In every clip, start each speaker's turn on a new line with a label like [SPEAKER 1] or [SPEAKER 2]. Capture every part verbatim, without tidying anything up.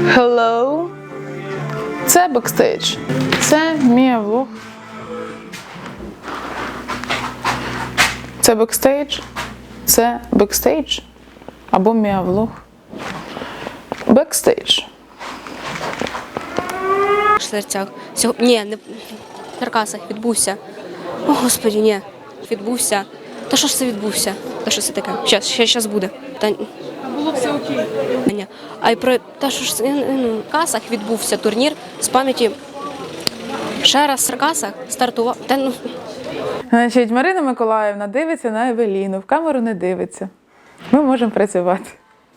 [SPEAKER 1] Hello. Це бекстейдж. Це мій влог. Це бекстейдж. Це бекстейдж. Або мій влог. Бекстейдж.
[SPEAKER 2] В серцях. Сьогодні, ні, не в Черкасах відбувся. О, Господі, ні. Відбувся. Та що ж це відбувся? Та що це таке? Щас, ще щас буде. Та...
[SPEAKER 1] Було все окей.
[SPEAKER 2] Ні. А й про те, що ж це, ну, в Черкасах відбувся турнір з пам'яті. Ще раз в Черкасах стартував. Та, ну...
[SPEAKER 1] Значить, Марина Миколаївна дивиться на Евеліну, в камеру не дивиться. Ми можемо працювати.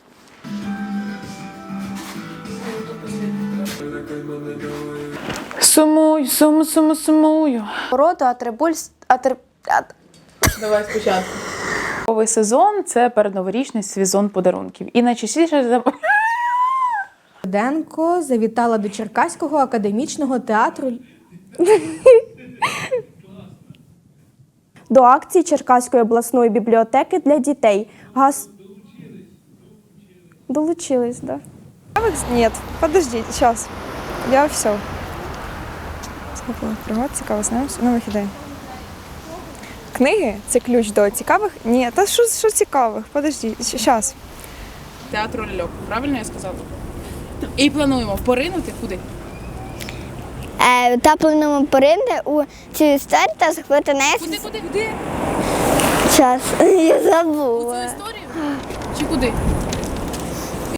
[SPEAKER 1] Сумую, суму, суму, сумую.
[SPEAKER 3] Роду атрибуль... Атри... ат-
[SPEAKER 1] Давай спочатку. Новий сезон – це передноворічний сезон подарунків. І найчастіше за...
[SPEAKER 4] Денко завітала до Черкаського академічного театру.
[SPEAKER 3] До акції Черкаської обласної бібліотеки для дітей. Газ... Долучились, да.
[SPEAKER 5] Нет, подожди, сейчас. Я все. Сколько пригод цікаво, знаємо, ну вихідає. Книги – це ключ до цікавих? Ні, та що, що цікавих? Подожди, зараз.
[SPEAKER 1] Театру ляльок. Правильно я сказала? І плануємо поринути куди?
[SPEAKER 6] Е, та плануємо поринути у цю історію та захопити неї.
[SPEAKER 1] Куди, куди, куди?
[SPEAKER 6] Час. Я
[SPEAKER 1] У
[SPEAKER 6] забула.
[SPEAKER 1] цю історію? Чи куди?